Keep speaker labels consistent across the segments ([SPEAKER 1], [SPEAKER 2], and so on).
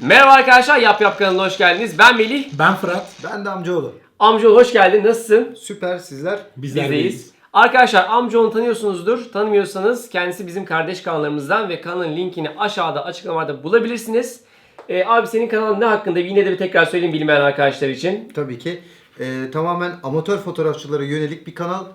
[SPEAKER 1] Merhaba arkadaşlar, Yap Yap kanalına hoş geldiniz. Ben Melih.
[SPEAKER 2] Ben Fırat.
[SPEAKER 3] Ben de amcaoğlu.
[SPEAKER 1] Amcaoğlu hoş geldin. Nasılsın?
[SPEAKER 3] Süper, sizler.
[SPEAKER 1] Bizdeyiz. Arkadaşlar amcaoğlu tanıyorsunuzdur. Tanımıyorsanız kendisi bizim kardeş kanallarımızdan ve kanalın linkini aşağıda açıklamada bulabilirsiniz. Abi senin kanalın ne hakkında? Yine de bir tekrar söyleyeyim bilmeyen arkadaşlar için.
[SPEAKER 3] Tabii ki. Tamamen amatör fotoğrafçılara yönelik bir kanal.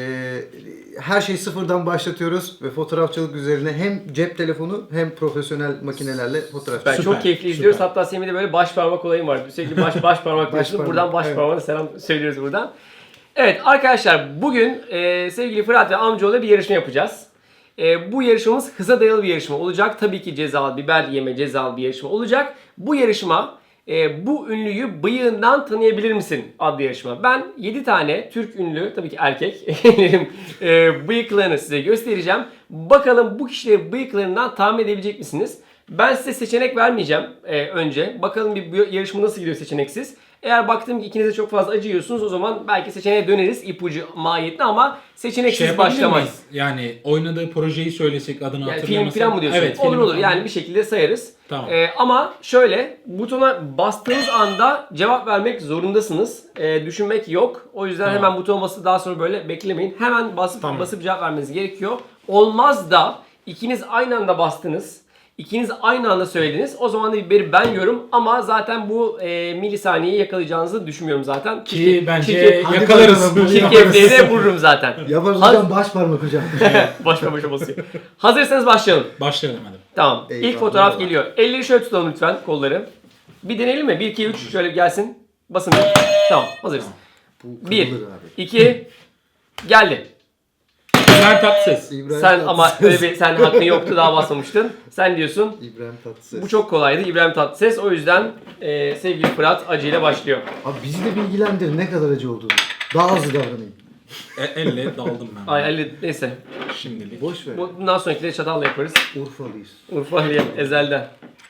[SPEAKER 3] Her şeyi sıfırdan başlatıyoruz ve fotoğrafçılık üzerine hem cep telefonu hem profesyonel makinelerle fotoğraf
[SPEAKER 1] Ben
[SPEAKER 3] çekiyoruz.
[SPEAKER 1] çok keyifli izliyoruz. Hatta Semih'de böyle baş parmak olayım var. Sürekli baş parmak diyorsun.
[SPEAKER 3] parmak,
[SPEAKER 1] Buradan baş
[SPEAKER 3] evet.
[SPEAKER 1] parmağına selam söylüyoruz buradan. Evet arkadaşlar bugün sevgili Fırat ve amcaoğlu bir yarışma yapacağız. Bu yarışmamız hıza dayalı bir yarışma olacak. Tabii ki cezalı, biber yeme cezalı bir yarışma olacak. Bu yarışma bu ünlüyü bıyığından tanıyabilir misin adlı yarışma. Ben 7 tane Türk ünlü, tabii ki erkek bıyıklarını size göstereceğim. Bakalım bu kişileri bıyıklarından tahmin edebilecek misiniz? Ben size seçenek vermeyeceğim önce. Bakalım bir yarışma nasıl gidiyor seçeneksiz. Eğer baktım ki ikiniz de çok fazla acıyorsunuz o zaman belki seçeneğe döneriz ipucu mahiyetine ama seçeneksiz başlamayız.
[SPEAKER 2] Yani oynadığı projeyi söylesek adını
[SPEAKER 1] Yani film
[SPEAKER 2] hatırlamasak.
[SPEAKER 1] falan mı diyorsun?
[SPEAKER 2] Evet,
[SPEAKER 1] olur
[SPEAKER 2] film
[SPEAKER 1] olur
[SPEAKER 2] falan.
[SPEAKER 1] yani bir şekilde sayarız.
[SPEAKER 2] Tamam.
[SPEAKER 1] Ama şöyle butona bastığınız anda cevap vermek zorundasınız. Düşünmek yok. O yüzden
[SPEAKER 2] Tamam.
[SPEAKER 1] hemen buton basıp daha sonra böyle beklemeyin. Hemen
[SPEAKER 2] Tamam.
[SPEAKER 1] basıp cevap vermeniz gerekiyor. Olmaz da ikiniz aynı anda bastınız. İkiniz aynı anda söylediniz. O zaman da biberi ben yiyorum ama zaten bu milisaniyeyi yakalayacağınızı düşünmüyorum zaten.
[SPEAKER 2] Ki bence
[SPEAKER 1] Çirkef-
[SPEAKER 2] yakalarız.
[SPEAKER 1] Çirkefliği de vururum zaten.
[SPEAKER 3] Yaparız
[SPEAKER 1] Haz-
[SPEAKER 3] hocam, baş parmak hocam.
[SPEAKER 1] Başa basıyor. Hazırsanız başlayalım.
[SPEAKER 2] Başlayalım hadi.
[SPEAKER 1] Tamam.
[SPEAKER 3] Eyvallah.
[SPEAKER 1] İlk fotoğraf geliyor. Elleri şöyle tutalım lütfen, kolları. Bir deneyelim mi? 1, 2, 3 şöyle gelsin. Basın. Tamam. Hazırız.
[SPEAKER 3] Bu
[SPEAKER 1] 1,
[SPEAKER 3] kırılır abi.
[SPEAKER 1] 2, geldi.
[SPEAKER 2] İbrahim Tatlıses.
[SPEAKER 3] İbrahim
[SPEAKER 1] Sen ama
[SPEAKER 3] Tatlıses.
[SPEAKER 1] öyle bir sen hakkın yoktu daha basmamıştın. Sen diyorsun.
[SPEAKER 3] İbrahim Tatlıses.
[SPEAKER 1] Bu çok kolaydı. İbrahim Tatlıses. O yüzden sevgili Fırat acıyla başlıyor.
[SPEAKER 3] Abi bizi de bilgilendir ne kadar acı olduğunu. Daha hızlı davranayım.
[SPEAKER 2] Elle daldım ben.
[SPEAKER 1] Ay Ali neyse.
[SPEAKER 2] Şimdilik.
[SPEAKER 3] Boş ver.
[SPEAKER 1] Bundan sonrakileri çatalla yaparız.
[SPEAKER 3] Urfalıyız.
[SPEAKER 1] Urfa diye ezelden.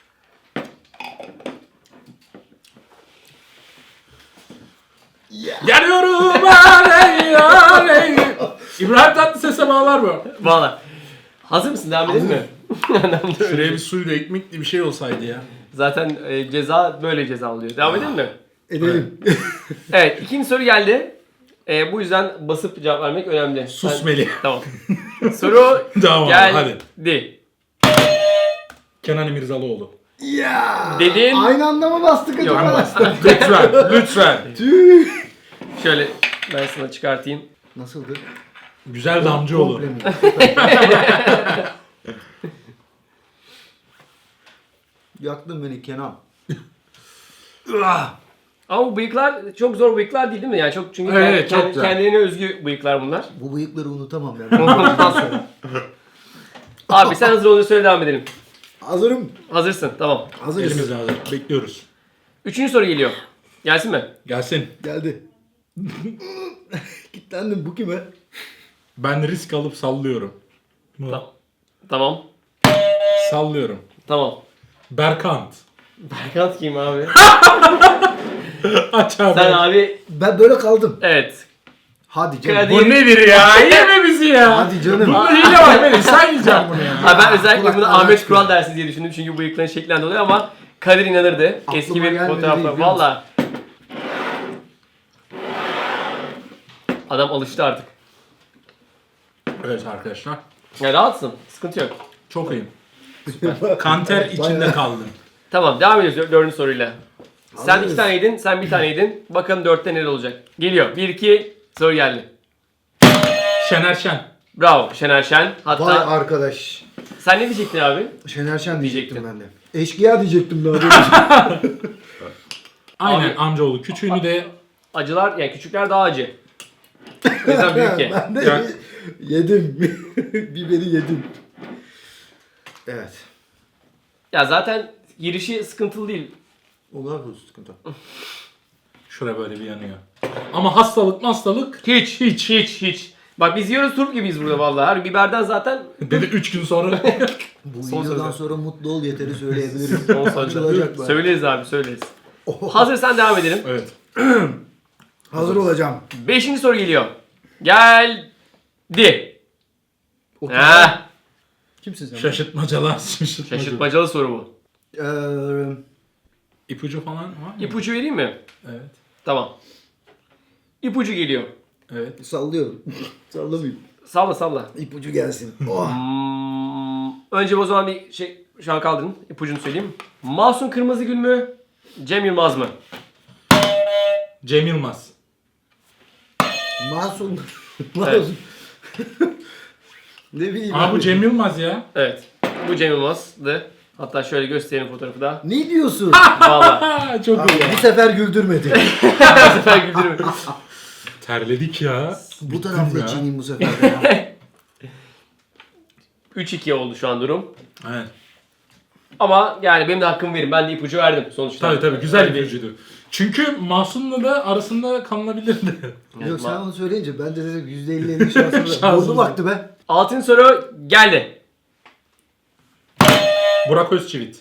[SPEAKER 2] Geliyorum aley aley. İbrahim Tatlıses'e bağlar mı?
[SPEAKER 1] Valla. Hazır mısın? Devam edelim mi?
[SPEAKER 2] Şuraya bir suyla ekmekli bir şey olsaydı ya.
[SPEAKER 1] Zaten ceza böyle ceza alıyor. Devam edelim mi?
[SPEAKER 3] Edelim.
[SPEAKER 1] Evet, ikinci soru geldi. Bu yüzden basıp cevap vermek önemli.
[SPEAKER 2] Sus Melih.
[SPEAKER 1] Tamam. Soru
[SPEAKER 2] Tamam,
[SPEAKER 1] geldi.
[SPEAKER 2] Kenan İmirzalıoğlu.
[SPEAKER 3] Ya.
[SPEAKER 1] Dedin.
[SPEAKER 3] Aynı anda mı bastık
[SPEAKER 1] Yok,
[SPEAKER 3] acaba?
[SPEAKER 2] Lütfen, lütfen.
[SPEAKER 3] Tüh.
[SPEAKER 1] Şöyle ben sana çıkartayım.
[SPEAKER 3] Nasıldı?
[SPEAKER 2] Güzel damcıoğlu.
[SPEAKER 3] Komple mi? Yaktın beni Kenan.
[SPEAKER 1] Ama bu bıyıklar çok zor bıyıklar değil mi? Yani çok çünkü
[SPEAKER 2] Evet, çok güzel.
[SPEAKER 1] kendilerine özgü bıyıklar bunlar.
[SPEAKER 3] Bu bıyıkları unutamam ben.
[SPEAKER 1] Ondan sonra. Abi sen hazır olduğunu söyle devam edelim.
[SPEAKER 3] Hazırım.
[SPEAKER 1] Hazırsın tamam.
[SPEAKER 3] Hazırız.
[SPEAKER 2] Elimizde hazır. Bekliyoruz.
[SPEAKER 1] Üçüncü soru geliyor. Gelsin mi?
[SPEAKER 2] Gelsin.
[SPEAKER 3] Geldi. Kilitlendim, bu kime?
[SPEAKER 2] Ben risk alıp sallıyorum. Mı?
[SPEAKER 1] Tamam.
[SPEAKER 2] Sallıyorum.
[SPEAKER 1] Tamam.
[SPEAKER 2] Berkant.
[SPEAKER 1] Berkant kim abi?
[SPEAKER 2] Aç abi.
[SPEAKER 1] Sen abi
[SPEAKER 3] Ben böyle kaldım.
[SPEAKER 1] evet.
[SPEAKER 3] Hadi canım.
[SPEAKER 1] Kadir-
[SPEAKER 2] Bu nedir ya? Yeme bizi ya.
[SPEAKER 3] Hadi canım.
[SPEAKER 2] Bunda hile var Melih. Sen yiyeceksin bunu ya.
[SPEAKER 1] Ha, ben özellikle bunu
[SPEAKER 3] kulaklardan
[SPEAKER 1] Ahmet
[SPEAKER 3] çıkıyor.
[SPEAKER 1] Kural dersi diye düşündüm çünkü bıyıkların şeklinden dolayı ama Kadir inanırdı.
[SPEAKER 3] Aklıma
[SPEAKER 1] Eski bir
[SPEAKER 3] gelmedi
[SPEAKER 1] fotoğrafla.
[SPEAKER 3] değil, biliyor musun?
[SPEAKER 1] Valla. Adam alıştı artık.
[SPEAKER 2] Evet arkadaşlar.
[SPEAKER 1] Ya rahatsın. Sıkıntı yok.
[SPEAKER 2] Çok iyiyim. Kanter içinde
[SPEAKER 3] Bayağı.
[SPEAKER 2] kaldım.
[SPEAKER 1] Tamam devam ediyoruz dördüncü soruyla. Sen
[SPEAKER 3] Hazırız.
[SPEAKER 1] 2 tane yedin, sen 1 tane yedin. Bakalım 4'te neler olacak. Geliyor. 1, 2 soru geldi.
[SPEAKER 2] Şener Şen.
[SPEAKER 1] Bravo Şener Şen. Hatta
[SPEAKER 3] Vay arkadaş.
[SPEAKER 1] sen ne diyecektin abi?
[SPEAKER 3] Şener Şen diyecektim
[SPEAKER 1] Diyecektin.
[SPEAKER 3] ben de. Eşkıya diyecektim daha doğrusu.
[SPEAKER 2] Aynen
[SPEAKER 1] Abi-
[SPEAKER 2] amcaoğlu. Küçüğünü de
[SPEAKER 1] Acılar, yani küçükler daha acı. O yüzden büyük ye.
[SPEAKER 3] Ben de
[SPEAKER 2] Ya-
[SPEAKER 3] yedim. Biberi yedim. Evet.
[SPEAKER 1] Ya zaten girişi sıkıntılı değil.
[SPEAKER 3] Onlar bu sıkıntı.
[SPEAKER 2] şuraya böyle bir yanıyor. Ama hastalık
[SPEAKER 1] Hiç. Bak biz yiyoruz turp gibiyiz burada vallahi. Her biberden zaten
[SPEAKER 2] dedi 3 gün sonra.
[SPEAKER 3] Bu
[SPEAKER 1] Son
[SPEAKER 3] videodan
[SPEAKER 1] sözler.
[SPEAKER 3] sonra mutlu ol yeteri söyleyebilirim.
[SPEAKER 1] son
[SPEAKER 3] Açılacak
[SPEAKER 1] sözler.
[SPEAKER 3] bak.
[SPEAKER 1] Söyleriz abi söyleriz.
[SPEAKER 3] Oh.
[SPEAKER 1] Hazırsan devam edelim.
[SPEAKER 2] Evet.
[SPEAKER 3] Hazır olacağım.
[SPEAKER 1] 5. soru geliyor. Geldi.
[SPEAKER 3] Otur.
[SPEAKER 1] Heh.
[SPEAKER 3] Kimsin sen?
[SPEAKER 2] Şaşırtmacalar.
[SPEAKER 1] Şaşırtmacalı soru bu.
[SPEAKER 3] Eee,
[SPEAKER 2] İpucu falan var mı?
[SPEAKER 1] İpucu vereyim mi?
[SPEAKER 2] Evet.
[SPEAKER 1] Tamam. İpucu geliyor.
[SPEAKER 2] Evet.
[SPEAKER 3] Sallıyorum. Sallamayayım.
[SPEAKER 1] Salla salla.
[SPEAKER 3] İpucu gelsin. Oh.
[SPEAKER 1] Önce o zaman bir şey şu an kaldırın. İpucunu söyleyeyim. Mahsun Kırmızıgül mü? Cem Yılmaz mı?
[SPEAKER 2] Cem Yılmaz.
[SPEAKER 3] Masum.
[SPEAKER 1] Evet.
[SPEAKER 3] Ne bileyim.
[SPEAKER 2] Aa bu
[SPEAKER 3] abi.
[SPEAKER 2] Cem Yılmaz ya.
[SPEAKER 1] Evet. Bu Cem Yılmaz'dı. Hatta şöyle göstereyim fotoğrafı da.
[SPEAKER 3] Ne diyorsun?
[SPEAKER 1] Valla.
[SPEAKER 2] Aa, çok
[SPEAKER 3] Abi,
[SPEAKER 2] iyi ya.
[SPEAKER 3] bu sefer güldürmedi.
[SPEAKER 1] Bu sefer güldürüm.
[SPEAKER 2] Terledik ya.
[SPEAKER 3] bu
[SPEAKER 2] Bittim
[SPEAKER 3] tarafta
[SPEAKER 2] ya.
[SPEAKER 3] çiğneyim bu sefer de ya.
[SPEAKER 1] 3-2 oldu şu an durum.
[SPEAKER 2] Evet.
[SPEAKER 1] Ama yani benim de hakkımı verin. Ben de ipucu verdim sonuçta.
[SPEAKER 2] Tabii güzel
[SPEAKER 1] Öyle
[SPEAKER 2] bir ipucuydu. Çünkü Mahsun'la da arasında kalınabilirdi.
[SPEAKER 1] Evet,
[SPEAKER 3] Yok sen onu söyleyince ben de dedim %50-50 şansım var.
[SPEAKER 2] Şansımız
[SPEAKER 3] Bozdu baktı be.
[SPEAKER 1] Altın soru geldi.
[SPEAKER 2] Burak Özçivit.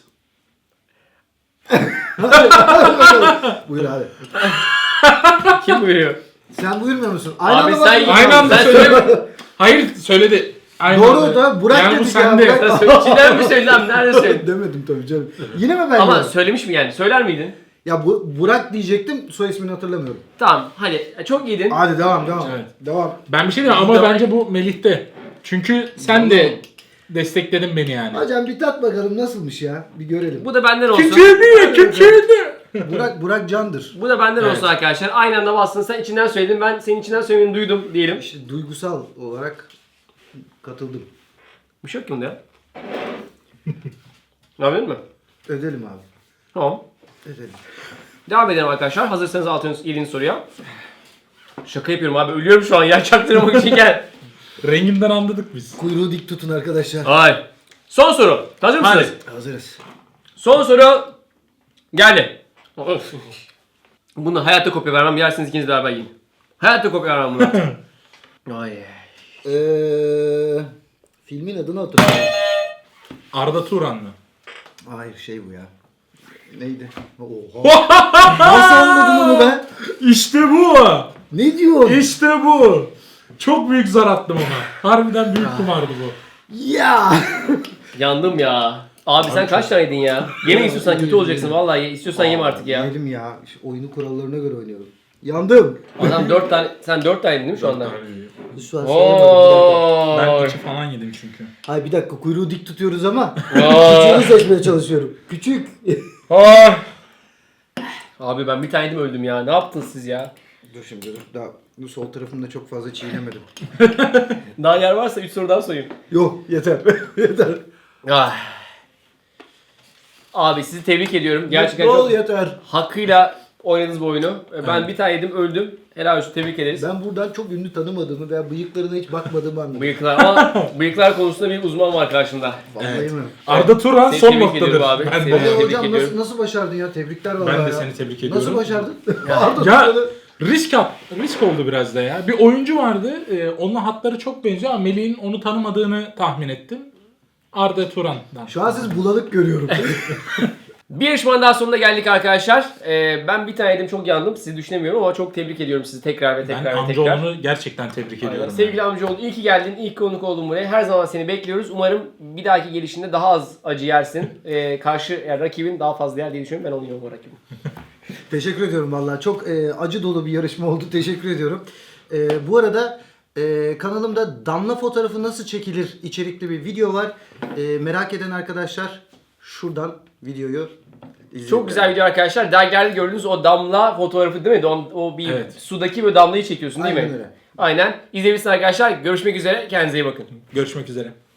[SPEAKER 3] Buyur abi.
[SPEAKER 1] Kim buyuruyor?
[SPEAKER 3] Sen buyurmuyor musun?
[SPEAKER 1] Abi
[SPEAKER 3] anda
[SPEAKER 1] sen-
[SPEAKER 3] bakıyorsun.
[SPEAKER 2] Aynı anda
[SPEAKER 1] Sen
[SPEAKER 2] söyle. Hayır söyledi. Aynı
[SPEAKER 3] Doğru
[SPEAKER 2] anda.
[SPEAKER 3] da Burak
[SPEAKER 2] yani bu
[SPEAKER 3] dedik ya,
[SPEAKER 2] sende.
[SPEAKER 3] Burak-
[SPEAKER 1] Sen söyle, içinden mi söyledin abi? Nerede söyledin?
[SPEAKER 3] Demedim tabii canım. Yine mi ben
[SPEAKER 1] Ama
[SPEAKER 3] diyorum?
[SPEAKER 1] söylemiş mi yani? Söyler miydin?
[SPEAKER 3] Ya Burak diyecektim, soy ismini hatırlamıyorum.
[SPEAKER 1] Tamam hadi çok iyiydin.
[SPEAKER 3] Hadi devam.
[SPEAKER 2] Evet.
[SPEAKER 3] Devam.
[SPEAKER 2] Ben bir şey diyeyim ama bence bu Melih'te. Çünkü sen de destekledin beni yani.
[SPEAKER 3] Hocam bir tat bakalım nasılmış ya. Bir görelim.
[SPEAKER 1] Bu da benden olsun.
[SPEAKER 2] Kimçiydi.
[SPEAKER 3] Burak candır.
[SPEAKER 1] Bu da benden
[SPEAKER 2] Evet.
[SPEAKER 1] olsun arkadaşlar. Aynı anda bastın. Sen içinden söyledin. Ben senin içinden söylemeni duydum diyelim.
[SPEAKER 3] İşte duygusal olarak katıldım.
[SPEAKER 1] Bir şey yok ki bunda ya. Ne yapıyorsun mu?
[SPEAKER 3] Ödelim abi.
[SPEAKER 1] Tamam.
[SPEAKER 3] Ödelim.
[SPEAKER 1] Devam edelim arkadaşlar. Hazırsanız 7. soruya. Şaka yapıyorum abi. Ölüyorum şu an ya. Çaktırmak için gel.
[SPEAKER 2] Renginden anladık biz.
[SPEAKER 3] Kuyruğu dik tutun arkadaşlar.
[SPEAKER 1] Hayır. Son soru. Hazır mısınız?
[SPEAKER 2] Hadi.
[SPEAKER 3] Hazırız.
[SPEAKER 1] Son soru geldi. Of. Bunu hayatta kopya vermem. Yersiniz ikiniz beraber yiyin. Hayatta kopya vermem bunu. Ay.
[SPEAKER 3] Filmin adını hatırlıyorum.
[SPEAKER 2] Arda Turan mı?
[SPEAKER 3] Hayır şey bu ya. Neydi? Oha. Nasıl anladın onu be?
[SPEAKER 2] İşte bu.
[SPEAKER 3] Ne diyorsun?
[SPEAKER 2] İşte bu. Çok büyük zar attım ona. Harbiden büyük kumardı bu.
[SPEAKER 3] Ya.
[SPEAKER 1] Yandım ya. Abi sen kaç tane yedin ya? Yeme istiyorsan kötü olacaksın vallahi. İstiyorsan yeme artık ya.
[SPEAKER 3] Yiyelim ya. İşte oyunu kurallarına göre oynayalım. Yandım.
[SPEAKER 1] Adam 4 tane, sen 4 tane yedin değil mi şu anda?
[SPEAKER 3] Şu an sayamadım.
[SPEAKER 2] Ben
[SPEAKER 1] Oo.
[SPEAKER 2] 2 falan yedim çünkü.
[SPEAKER 3] Hayır bir dakika kuyruğu dik tutuyoruz ama
[SPEAKER 1] Oo.
[SPEAKER 3] küçüğünü seçmeye çalışıyorum. Küçük.
[SPEAKER 1] Ay. Abi ben bir tane yedim öldüm ya. Ne yaptınız siz ya?
[SPEAKER 3] Dur şimdi dur. Daha bu sol tarafımda çok fazla çiğnemedim.
[SPEAKER 1] Daha yer varsa 3 soru daha sorayım.
[SPEAKER 3] Yok yeter. yeter.
[SPEAKER 1] Ah. Abi sizi tebrik ediyorum. Gerçekten
[SPEAKER 3] Mutlu ol
[SPEAKER 1] çok
[SPEAKER 3] yeter.
[SPEAKER 1] hakkıyla oynadınız bu oyunu. Ben bir tane yedim öldüm. Helal olsun tebrik ederiz.
[SPEAKER 3] Ben buradan çok ünlü tanımadığımı veya bıyıklarına hiç bakmadığımı anladım.
[SPEAKER 1] Bıyıklar ama bıyıklar konusunda bir uzman var karşımda.
[SPEAKER 3] Vallahi
[SPEAKER 2] Evet.
[SPEAKER 3] mi?
[SPEAKER 2] Arda Turan
[SPEAKER 1] Seni
[SPEAKER 2] son
[SPEAKER 1] tebrik
[SPEAKER 2] noktadır.
[SPEAKER 1] ediyorum abi.
[SPEAKER 2] Ben
[SPEAKER 1] Seni-
[SPEAKER 2] de.
[SPEAKER 1] Tebrik
[SPEAKER 3] Hocam
[SPEAKER 1] ediyorum.
[SPEAKER 3] nasıl başardın ya? Tebrikler vallahi
[SPEAKER 2] Ben de
[SPEAKER 3] ya.
[SPEAKER 2] seni tebrik ediyorum.
[SPEAKER 3] Nasıl başardın? Arda
[SPEAKER 2] Ya
[SPEAKER 3] Turan'ı-
[SPEAKER 2] risk oldu biraz da ya. Bir oyuncu vardı. Onunla hatları çok benziyor ama Melih'in onu tanımadığını tahmin ettim. Arda Turan'dan.
[SPEAKER 3] Şu an siz bulanık görüyorum.
[SPEAKER 1] Bir yarışmanın daha sonuna geldik arkadaşlar. Ben bir tane yedim çok yandım. Sizi düşünemiyorum ama çok tebrik ediyorum sizi tekrar ve
[SPEAKER 2] Ben
[SPEAKER 1] tekrar ve tekrar.
[SPEAKER 2] amcaoğlunu gerçekten tebrik
[SPEAKER 1] Aynen.
[SPEAKER 2] ediyorum.
[SPEAKER 1] Sevgili amcaoğlu iyi ki geldin. İyi ki konuk oldun buraya. Her zaman seni bekliyoruz. Umarım bir dahaki gelişinde daha az acı yersin. Karşı yani rakibin daha fazla yer diye düşünüyorum. Ben onu yiyorum o rakibim.
[SPEAKER 3] Teşekkür ediyorum vallahi. Çok acı dolu bir yarışma oldu. Teşekkür ediyorum. Bu arada kanalımda damla fotoğrafı nasıl çekilir içerikli bir video var. Merak eden arkadaşlar şuradan videoyu izleyin.
[SPEAKER 1] Çok güzel video arkadaşlar. Dergilerde gördüğünüz o damla fotoğrafı değil mi? O bir
[SPEAKER 2] Evet.
[SPEAKER 1] sudaki böyle damlayı çekiyorsun değil
[SPEAKER 3] Aynen
[SPEAKER 1] mi?
[SPEAKER 3] öyle.
[SPEAKER 1] Aynen. İzleyebilirsiniz arkadaşlar. Görüşmek üzere. Kendinize iyi bakın.
[SPEAKER 2] Görüşmek üzere.